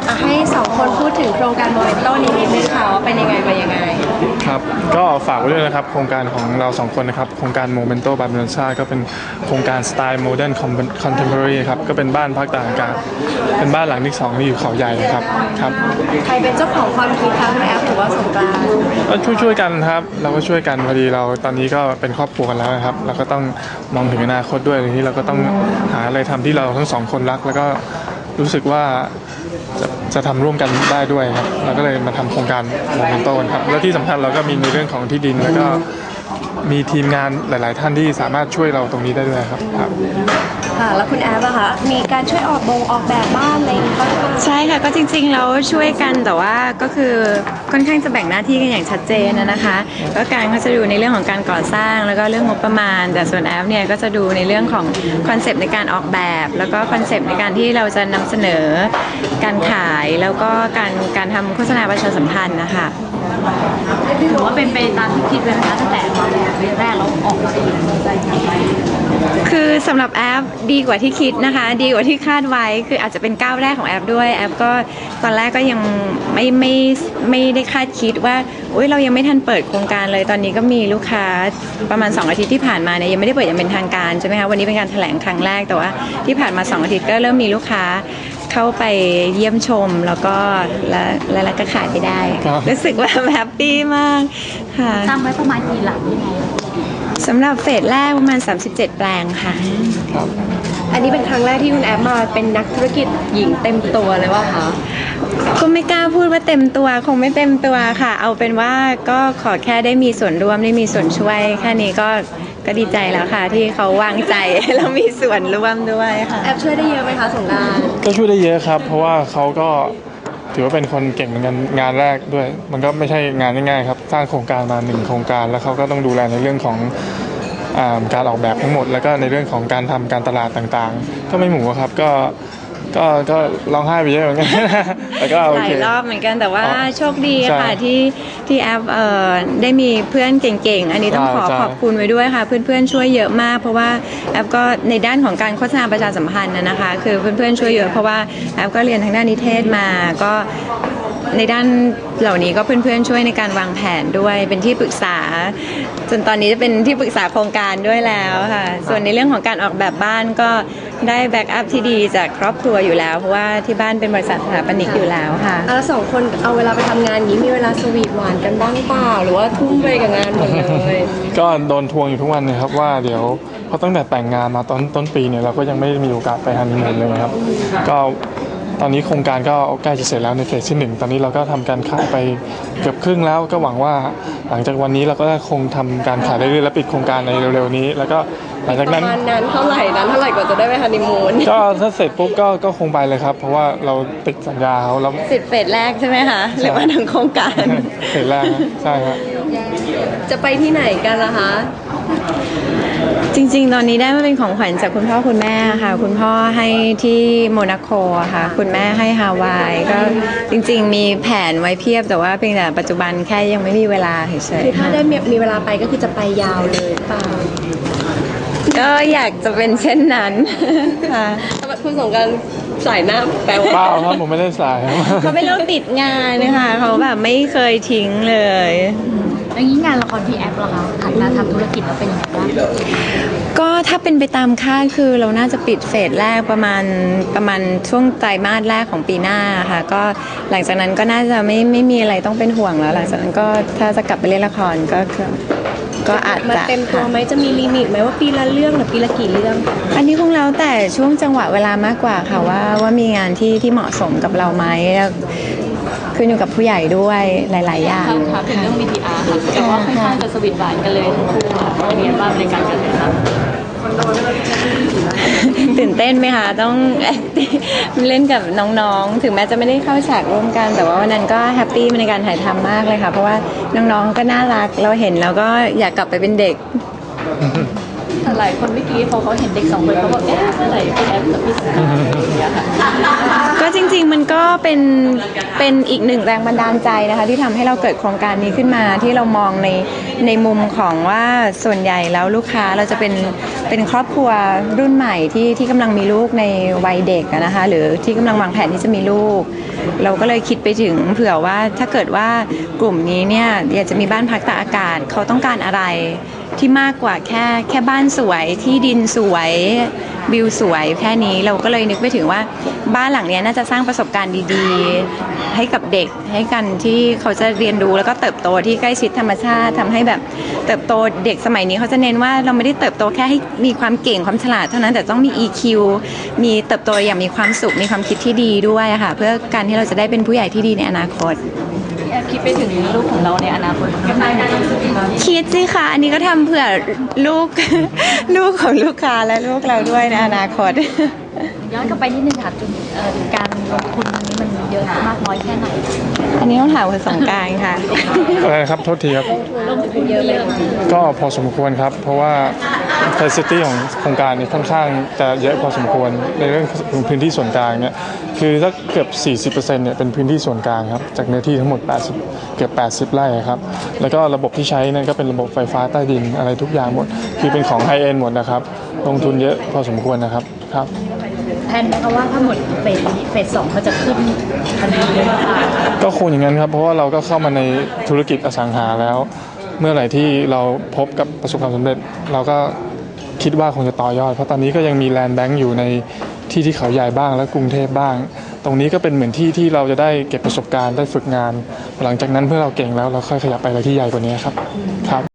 ให้สองคนพูดถึงโครงการโมเมนโต้นี้นิดนึงค่ะว่าเป็นยังไงมายังไงครับก็ฝากไว้ด้วยนะครับโครงการของเราสองคนนะครับโครงการ Momento by Melanza ก็เป็นโครงการสไตล์ Modern Contemporary ครับก็เป็นบ้านพักตากอากาศเป็นบ้านหลังที่2ที่อยู่เขาใหญ่ครับใครเป็นเจ้าของความคิดคะคุณแอฟหรือว่าสงกรานต์ก็ช่วยกันครับเราก็ช่วยกันพอดีเราตอนนี้ก็เป็นครอบครัวกันแล้วนะครับเราก็ต้องมองถึงอนาคตด้วยทีนี้เราก็ต้องหาอะไรทำที่เราทั้งสองคนรักแล้วก็รู้สึกว่าจะทำร่วมกันได้ด้วยครับเราก็เลยมาทำโครงการโมเมนโต้ครับแล้วที่สำคัญเราก็มีในเรื่องของที่ดินแล้วก็มีทีมงานหลายๆท่านที่สามารถช่วยเราตรงนี้ได้ด้วยครับค่ะแล้วคุณแอฟอะคะมีการช่วยออกแบบบ้านอะไรบ้างใช่ค่ะก็จริงๆเราช่วยกันแต่ว่าก็คือค่อนข้างจะแบ่งหน้าที่กันอย่างชัดเจนนะคะก็การก็จะดูในเรื่องของการก่อสร้างแล้วก็เรื่องงบประมาณแต่ส่วนแอฟเนี่ยก็จะดูในเรื่องของคอนเซปต์ในการออกแบบแล้วก็คอนเซปต์ในการที่เราจะนำเสนอการขายแล้วก็การทำโฆษณาประชาสัมพันธ์นะคะถือว่าเป็นไปตามที่คิดเลยนะคะตั้งแต่ตอนแรกเราออกมาคือสำหรับแอปดีกว่าที่คิดนะคะดีกว่าที่คาดไว้คืออาจจะเป็นก้าวแรกของแอปด้วยแอปก็ตอนแรกก็ยังไม่ได้คาดคิดว่าเรายังไม่ทันเปิดโครงการเลยตอนนี้ก็มีลูกค้าประมาณ2 อาทิตย์ที่ผ่านมาเนี่ยยังไม่ได้เปิดอย่างเป็นทางการใช่ไหมคะวันนี้เป็นการแถลงครั้งแรกแต่ว่าที่ผ่านมา2 อาทิตย์ก็เริ่มมีลูกค้าเข้าไปเยี่ยมชมแล้วก็แล้วก็ขายไปได้รู้สึกว่าแฮปปี้มากค่ะตั้งไว้ประมาณกี่หลังยังไงสำหรับเฟสแรกประมาณ37 แปลงค่ะอันนี้เป็นครั้งแรกที่คุณแอฟมาเป็นนักธุรกิจหญิงเต็มตัวเลยว่าคะก็ไม่กล้าพูดว่าเต็มตัวคงไม่เต็มตัวค่ะเอาเป็นว่าก็ขอแค่ได้มีส่วนร่วมได้มีส่วนช่วยแค่นี้ก็ดีใจแล้วค่ะที่เขาวางใจแล้วมีส่วนร่วมด้วยค่ะแอฟช่วยได้เยอะไหมคะสงกรานต์ก็ช่วยได้เยอะครับเพราะว่าเขาก็ถือว่าเป็นคนเก่งเหมือนกันงานแรกด้วยมันก็ไม่ใช่งานง่ายๆครับสร้างโครงการมา1 โครงการแล้วเขาก็ต้องดูแลในเรื่องของการออกแบบทั้งหมดแล้วก็ในเรื่องของการทำการตลาดต่างๆก็ไม่หมูครับก็ร้องไห้ไปเยอะเหมือนกันแต่ก็โอเคหลายรอบเหมือนกันแต่ว่าโชคดีค่ะที่แอปได้มีเพื่อนเก่งๆอันนี้ต้องขอบคุณไว้ด้วยค่ะเพื่อนๆช่วยเยอะมากเพราะว่าแอปก็ในด้านของการโฆษณาประชาสัมพันธ์นะคะคือเพื่อนๆช่วยเยอะเพราะว่าแอปก็เรียนทางด้านนิเทศมาก็ในด้านเหล่านี้ก็เพื่อนๆช่วยในการวางแผนด้วยเป็นที่ปรึกษาจนตอนนี้จะเป็นที่ปรึกษาโครงการด้วยแล้วค่ะส่วนในเรื่องของการออกแบบบ้านก็ได้แบ็กอัพที่ดีจากครอบครัวอยู่แล้วเพราะว่าที่บ้านเป็นบริษัทสถาปนิกอยู่แล้วค่ะแล้วสองคนเอาเวลาไปทำงานนี้มีเวลาสวีทหวานกันบ้างเปล่าหรือว่าทุ่มไปกับงานหมดเลยก็โดนทวงอยู่ทุกวันเลยครับว่าเดี๋ยวเพราะตั้งแต่แต่งงานมาต้นปีเนี่ยเราก็ยังไม่มีโอกาสไปฮันนีมูนเลยครับก็ตอนนี้โครงการก็ใกล้จะเสร็จแล้วในเฟสที่1ตอนนี้เราก็ทำการขายไปเกือบครึ่งแล้วก็หวังว่าหลังจากวันนี้เราก็คงทำการขายได้เรื่อยๆและปิดโครงการในเร็วๆนี้แล้วก็หลังจากนั้นประมาณนั้นเท่าไหร่กว่าจะได้ไปฮันนีมูนก็ถ้าเสร็จปุ๊บก็คงไปเลยครับเพราะว่าเราติดสัญญาเขาแล้ว 10 เฟสแรกใช่ไหมคะหรือว่าทั้งโครงการเฟสแรกใช่ครับจะไปที่ไหนกันล่ะคะจริงๆตอนนี้ได้มาเป็นของขวัญจากคุณพ่อคุณแม่ค่ะคุณพ่อให้ที่โมนาโกค่ะคุณแม่ให้ฮาวายก็จริงๆมีแผนไว้เพียบแต่ว่าเพียงแต่ปัจจุบันแค่ยังไม่มีเวลาเฉยๆคือถ้าได้มีเวลาไปก็คือจะไปยาวเลยเปล่าก็อยากจะเป็นเช่นนั้นค่ะคุณสงการสายหน้าแปลว่าเปล่าครับผมไม่ได้สายเขาไม่เลิกติดงานนะคะเขาแบบไม่เคยทิ้งเลยอย่างนี้งานละครพี่แอฟเหรอคะหันมาทำธุรกิจแล้วเป็นยังไงบ้างก็ถ้าเป็นไปตามคาดคือเราน่าจะปิดเฟสแรกประมาณช่วงไตรมาสแรกของปีหน้าค่ะก็หลังจากนั้นก็น่าจะไม่มีอะไรต้องเป็นห่วงแล้วหลังจากนั้นก็ถ้าจะกลับไปเล่นละครก็อาจจะมาเต็มตัวไหมจะมีลิมิตไหมว่าปีละเรื่องหรือปีละกี่เรื่องอันนี้คงแล้วแต่ช่วงจังหวะเวลามากกว่าค่ะว่ามีงานที่เหมาะสมกับเราไหมขึ้นอยู่กับผู้ใหญ่ด้วยหลายๆอย่างค่ะเป็นเรื่อง VTR ค่ะแต่ว่าค่อนข้างจะสวีทหวานกันเลยทั้งคู่ค่ะเป็นยังไงบ้างในการกันนะคะตื่นเต้นไหมคะต้องเล่นกับน้องๆถึงแม้จะไม่ได้เข้าฉากร่วมกันแต่ว่าวันนั้นก็แฮปปี้ในการถ่ายทำมากเลยค่ะเพราะว่าน้องๆก็น่ารักเราเห็นแล้วก็อยากกลับไปเป็นเด็กหลายคนเมื่อกี้พอเขาเห็นเด็กสองคนเขาบอกเอ๊ะเมื่อไหร่พี่แอฟกับพี่สายอย่างเงี้ยค่ะก็จริงๆมันก็เป็นอีกหนึ่งแรงบันดาลใจนะคะที่ทำให้เราเกิดโครงการนี้ขึ้นมาที่เรามองในมุมของว่าส่วนใหญ่แล้วลูกค้าเราจะเป็นครอบครัวรุ่นใหม่ที่กำลังมีลูกในวัยเด็กอะนะคะหรือที่กำลังวางแผนที่จะมีลูก เราก็เลยคิดไปถึงเผื่อว่าถ้าเกิดว่ากลุ่มนี้เนี่ยอยากจะมีบ้านพักตากอากาศเขาต้องการอะไรที่มากกว่าแค่บ้านสวยที่ดินสวยวิวสวยแค่นี้เราก็เลยนึกไปถึงว่าบ้านหลังนี้น่าจะสร้างประสบการณ์ดีๆให้กับเด็กให้กันที่เขาจะเรียนรู้แล้วก็เติบโตที่ใกล้ชิดธรรมชาติทำให้แบบเติบโตเด็กสมัยนี้เขาจะเน้นว่าเราไม่ได้เติบโตแค่ให้มีความเก่งความฉลาดเท่านั้นแต่ต้องมี EQ มีเติบโตอย่างมีความสุขมีความคิดที่ดีด้วยค่ะเพื่อการที่เราจะได้เป็นผู้ใหญ่ที่ดีในอนาคตพี่แอฟคิดไปถึงลูกของเราในอนาคตยังไงคิดสิคะอันนี้ก็ทำเผื่อลูก ลูกของลูกค้าและลูกเราด้วยในอนาคตย้อนกลับไปนิดนึงค่ะการลงทุนนี้มันเยอะมากน้อยแค่ไหนอันนี้ต้องถามคุณสงกรานต์ค่ะอะไรนะครับโทษทีครับลงทุนเยอะไหมก็พอสมควรครับ เพราะว่า facility ของโครงการนี้ค่อนข้างจะเยอะพอสมควรในเรื่องของพื้นที่ส่วนกลางเนี่ยคือถ้าเกือบ 40%เนี่ยเป็นพื้นที่ส่วนกลางครับจากเนื้อที่ทั้งหมดเกือบ 80 ไร่ครับแล้วก็ระบบที่ใช้นั่นก็เป็นระบบไฟฟ้าใต้ดินอะไรทุกอย่างหมดคือเป็นของไฮเอ็นหมดนะครับลงทุนเยอะพอสมควรนะครับครับแผนไหมคะว่าถ้าหมดเฟสสองเขาจะขึ้นทันทีเลยค่ะก็คงอย่างนั้นครับเพราะว่าเราก็เข้ามาในธุรกิจอสังหาแล้ว เมื่อไหร่ที่เราพบกับประสบความสำเร็จ เราก็คิดว่าคงจะต่อยอด เพราะตอนนี้ก็ยังมีแลนด์แบงก์อยู่ในที่เขาใหญ่บ้างและกรุงเทพบ้าง ตรงนี้ก็เป็นเหมือนที่เราจะได้เก็บประสบการณ์ได้ฝึกงาน หลังจากนั้นเพื่อเราเก่งแล้วเราค่อยขยับไปอะไรที่ใหญ่กว่านี้ครับ